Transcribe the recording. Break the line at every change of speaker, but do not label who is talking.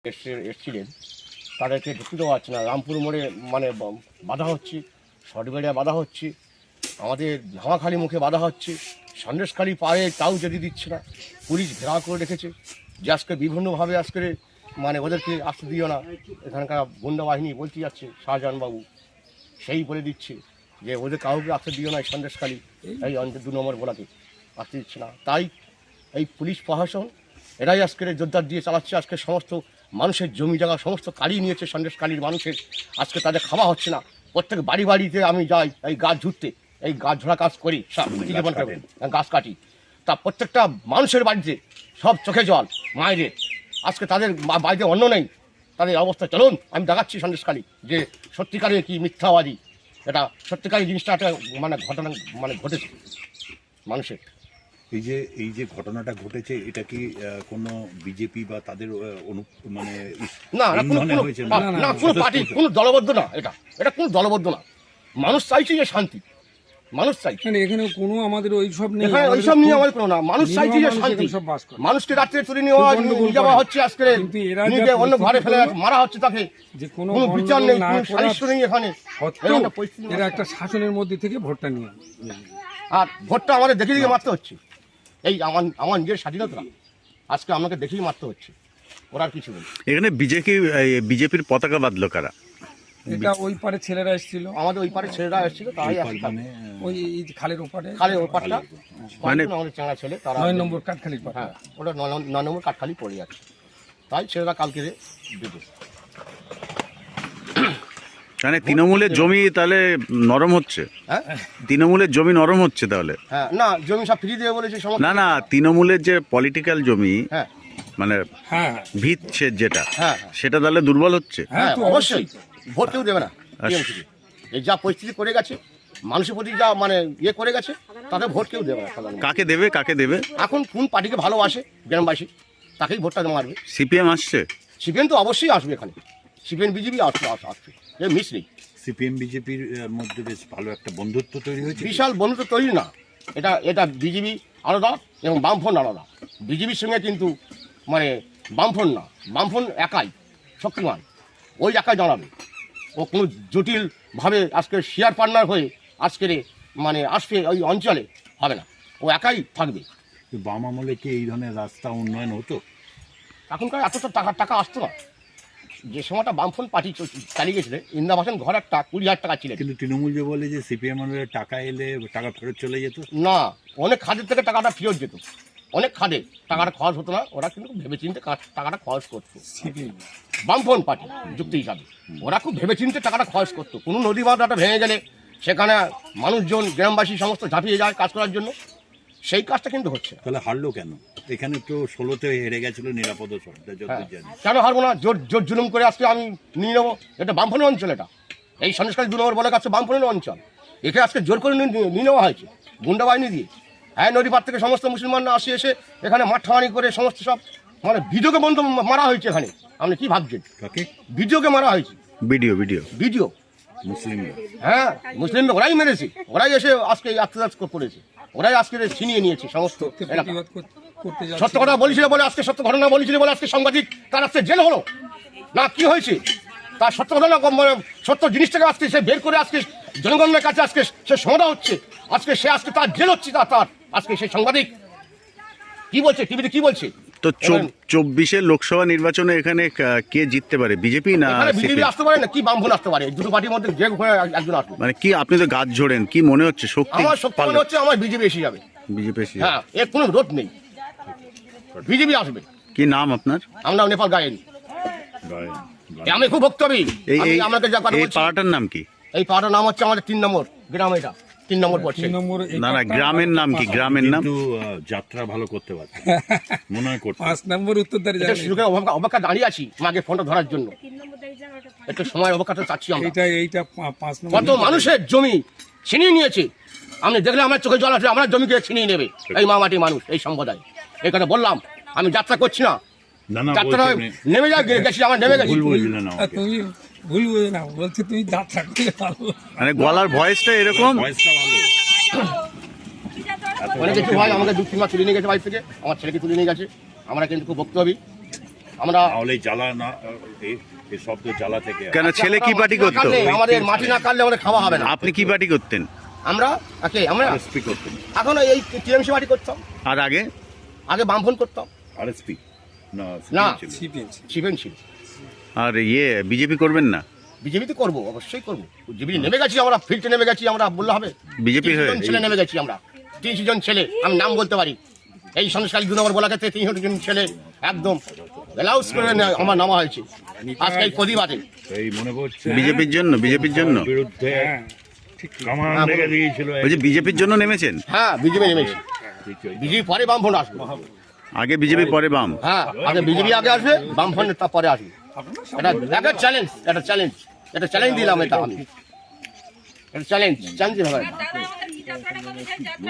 এসছিলেন তাদেরকে ঢুকতে দেওয়া হচ্ছে না। রামপুর মোড়ে মানে বাধা হচ্ছে, শর্টবেড়িয়া বাধা হচ্ছে, আমাদের ধামাখালি মুখে বাধা হচ্ছে, সন্দেশখালি পায়ে তাও যেতে দিচ্ছে না। পুলিশ ঘেরাও করে রেখেছে যে আজকে বিভিন্নভাবে আজকে মানে ওদেরকে আসতে দিও না। এখানকার গুন্ডা বাহিনী বলতে যাচ্ছে শাহজাহানবাবু, সেই বলে দিচ্ছে যে ওদের কাউকে আসতে দিও না, এই সন্দেশখালি এই অঞ্চল 2 নম্বর গোলাকে আসতে দিচ্ছে না। তাই এই পুলিশ প্রশাসন এরাই আজকের জোরদার দিয়ে চালাচ্ছে। আজকে সমস্ত মানুষের জমি জায়গা সমস্ত কালিয়ে নিয়েছে সন্দেশখালির মানুষের। আজকে তাদের খাওয়া হচ্ছে না। প্রত্যেক বাড়ি বাড়িতে আমি যাই এই গাছ ঝুড়তে, এই গাছ ঝোড়া কাজ করি, গাছ কাটি, তা প্রত্যেকটা মানুষের বাড়িতে সব চোখে জল মায়েদের। আজকে তাদের বাড়িতে অন্য নেই, তাদের অবস্থা চলুন আমি দেখাচ্ছি সন্দেশখালি যে সত্যিকারে কি মিথ্যাবাদী। এটা সত্যিকারের জিনিসটা একটা মানে ঘটনা মানে ঘটেছে মানুষের।
এই যে ঘটনাটা ঘটেছে, এটা কি কোনো বিজেপি বা তাদের মানে
না কোনো পার্টি, কোনো দলবদ্ধ না, এটা কোনো দলবদ্ধ না। মানুষ চাইছে যে শান্তি, মানুষ চাইছে
এখানে কোনো আমাদের ওইসব নেই,
ওইসব নিয়ে আমাদের কোনো না। মানুষ চাইছে যে শান্তি। মানুষকে রাত্রে তুলে নিয়ে যাওয়া হচ্ছে, আজকে অন্য ঘরে ফেলে মারা হচ্ছে, তাকে
যে কোনো
বিচার নেই, কোনো সালিশ নেই এখানে।
এরা একটা শাসনের মধ্যে থেকে ভোটটা নিয়ে,
আর ভোটটা আমাদের দেখে দেখে মারতে হচ্ছে। এই আমার নিজের স্বাধীনতা আজকে আমাকে দেখেই মারতে হচ্ছে, ওরা আর কিছু নেই।
এখানে বিজেপির পতাকা বাঁধলো কারা?
এটা ওই পারে ছেলেরা এসেছিল,
আমাদের ওই পারে ছেলেরা এসেছিল, তাই
ওই খালের ওপারে,
খালের ওপারটা
মানে
আমাদের চাঙা ছেলে, তারা
9 নম্বর কাঠখালির পারে।
হ্যাঁ, ওটা 9 নম্বর কাঠখালি পড়ে যাচ্ছে, তাই ছেলেরা কালকে দিতে।
মানে তৃণমূলের জমি তাহলে নরম হচ্ছে?
হ্যাঁ,
তৃণমূলের জমি নরম হচ্ছে তাহলে?
হ্যাঁ, না জমি সব ফ্রি দেবে বলেছে।
না তৃণমূলের যে পলিটিক্যাল জমি,
হ্যাঁ
মানে
হ্যাঁ
ভিত যেটা,
হ্যাঁ
সেটা তাহলে দুর্বল হচ্ছে।
হ্যাঁ অবশ্যই, ভোট কেউ দেবে না। এই যা পরিস্থিতি করে গেছে, মানুষের প্রতি যা মানে ইয়ে করে গেছে, তাদের ভোট কেউ দেবে না।
কাকে দেবে? এখন
কোন পার্টিকে ভালোবাসে গ্রামবাসী তাকেই ভোটটা মারবে।
সিপিএম আসছে?
সিপিএম তো অবশ্যই আসবে এখানে, সিপিএম বিজেপি আসবে, মিস নেই।
সিপিএম বিজেপির মধ্যে বেশ ভালো একটা বন্ধুত্ব তৈরি হয়েছে।
বিশাল বন্ধুত্ব তৈরি না, এটা বিজেপি আলাদা এবং বামফ্রন্ট আলাদা। বিজেপির সঙ্গে কিন্তু মানে বামফ্রন্ট না, বামফ্রন্ট একাই শক্তিমান, ওই একাই দাঁড়াবে। ও কোনো জটিলভাবে আজকে শেয়ার পার্টনার হয়ে আজকের মানে আসবে ওই অঞ্চলে হবে না, ও একাই থাকবে।
বাম আমলে কি এই ধরনের রাস্তা উন্নয়ন হতো?
এখনকার এতটা টাকা আসতো না। যে সময়টা বামফ্রন্ট পার্টি চালিয়ে গেছিল, ইন্দিরাবাসন ঘর একটা 20,000 টাকা ছিল।
কিন্তু তৃণমূল যে বলে যে সিপিএম টাকা এলে টাকা ফেরত চলে যেত।
না, অনেক খাদের থেকে টাকাটা ফেরত যেত, অনেক খাদে টাকাটা খরচ হতো না। ওরা কিন্তু ভেবেচিন্তে টাকাটা খরচ করতো, বামফ্রন্ট পার্টি যুক্তি হিসাবে ওরা খুব ভেবেচিন্তে টাকাটা খরচ করতো। কোনো নদী বাঁধটা ভেঙে গেলে সেখানে মানুষজন গ্রামবাসী সমস্ত ঝাঁপিয়ে যায় কাজ করার জন্য, সেই কাজটা কিন্তু হচ্ছে।
তাহলে হারলো কেন? এখানে তো 16তে হেরে গেছিল নিরাপদ শর্তে।
কেন হারবো না? জোর জুলুম করে আজকে আমি নিয়ে নেবো। এটা বামফ্রন্টের অঞ্চল, এটা এই সন্দেশখালী 2 নম্বর বলে কাছে বামফ্রন্টের অঞ্চল। একে আজকে জোর করে নিয়ে নেওয়া হয়েছে গুন্ডা বাহিনী দিয়ে। হ্যাঁ, নদী পার থেকে সমস্ত মুসলমানরা এসে এখানে মাঠামারি করে সমস্ত সব মানে ভিডিওকে বন্ধ মারা হয়েছে এখানে। আপনি কি ভাবছেন? ভিডিওকে মারা হয়েছে, ভিডিও
মুসলিমরা।
হ্যাঁ, মুসলিমরা ওরাই মেরেছে, ওরাই এসে আজকে আত্মদাস করেছে, ওরাই আজকে ছিনিয়ে নিয়েছে সমস্ত। সত্য কথা বলেছিল বলে আজকে, সত্য ঘটনা বলেছিল বলে আজকে সাংবাদিক তার আজকে জেল হলো না। কি হয়েছে তার সত্য ঘটনা, মানে সত্য জিনিসটাকে আজকে সে বের করে আজকে জনগণের কাছে আজকে সে সমাধা হচ্ছে। আজকে সে আজকে তার জেল হচ্ছে, তার আজকে সেই সাংবাদিক কি বলছে, টিভিতে কি বলছে।
তো 24-এর লোকসভা নির্বাচনে এখানে কে জিততে পারে, বিজেপি না
বিজেপি আসতে পারে না কি বামফ্রন্ট আসতে পারে? দুটো পার্টির মধ্যে যে একজন আসবে।
মানে কি আপনি তো গাছ ঝোড়েন, কি মনে হচ্ছে শক্তি?
আমার শক্তি মনে হচ্ছে আমার বিজেপি এসে যাবে। হ্যাঁ, এর কোনো রোধ নেই, বিজেপি আসবে।
কি নাম আপনার?
আমরা নেপাল গায়েন, আমি খুব ভক্তবী।
এই পাড়াটার নাম কি?
এই পাড়াটার নাম হচ্ছে আমাদের 3 নম্বর গ্রাম, এটা 3 নম্বর পড়ছে।
না গ্রামের নাম কি? গ্রামের নাম
যাত্রা ভালো করতে পারছে মনে হয়।
5 নম্বর উত্তরদারি
অপেক্ষা দাঁড়িয়ে আছি মাকে ফোনটা ধরার জন্য, একটু সময় অপেক্ষাটা চাচ্ছি আমরা।
এইটা 5 নম্বর।
কত মানুষের জমি ছিনিয়ে নিয়েছে, আমি দেখলে আমার চোখে জল আসে। আমার জমিকে ছিনিয়ে নেবে এই মামাটি মানুষ, এই সম্প্রদায়। এই কথা বললাম, আমি যাত্রা করছি না, যাত্রা নেমে গেছি, আমার নেমে গেছি।
তুমি ভুল বুঝে না, বলছি তুমি যাত্রা করলে ভালো,
মানে গলার ভয়েসটা এরকম।
অনেক কিছু হয়, আমাকে 2-3 মাস তুলে নিয়ে গেছে বাড়ি থেকে, আমার ছেলেকে তুলে নিয়ে গেছে। আমরা কিন্তু খুব ভক্তবী, আমরা
নাহলে জ্বালা না এই শব্দ জ্বালা থেকে
কেন ছেলে কি পার্টি
মাটি না
করতো?
কাটলে, আমাদের মাটি না কাটলে আমাদের খাওয়া হবে না।
আপনি কি পার্টি করতেন?
আমরা আমরা
আরএসপি করতেন,
এখন এই টিএমসি মাটি করতাম,
আর আগে?
আগে বামফ্রন্ট করতাম,
আরএসপি না
না।
CPM ছিল।
সিপিএম
শিবেন ছিল।
আর বিজেপি করবেন না?
বিজেপি তো করবো, অবশ্যই করবো। বিজেপি নেমে গেছি আমরা, ফিল্ডে নেমে গেছি আমরা, বললে হবে?
বিজেপি
300
হয়ে?
জন ছেলে নেমে গেছি আমরা, 300 জন ছেলে, আমি নাম বলতে পারি। এই সন্দেশখালী 2 নম্বর বলাকাতে 300 জন ছেলে একদম ব্লাউজ করে আমার নামা হয়েছে আজকে এই প্রতিবাদে।
এই মনে পড়ছে
বিজেপির জন্য? বিজেপির জন্য
বিরুদ্ধে
হ্যাঁ
কামান
হ্যাঁ,
লেগে
বলুন।
দিয়েছিল।
বলছি বিজেপির জন্য নেমেছেন?
হ্যাঁ, বিজেপি নেমেছি। বিজেপি পরে বামফ্রন্ট আসবে।
আগে বিজেপি পরে বাম?
হ্যাঁ, আগে বিজেপি আগে আসবে, বামফ্রন্ট তারপরে আসবে। এটা চ্যালেঞ্জ, এটা চ্যালেঞ্জ, এটা চ্যালেঞ্জ দিলাম, এটা আমি এটা চ্যালেঞ্জ হবে।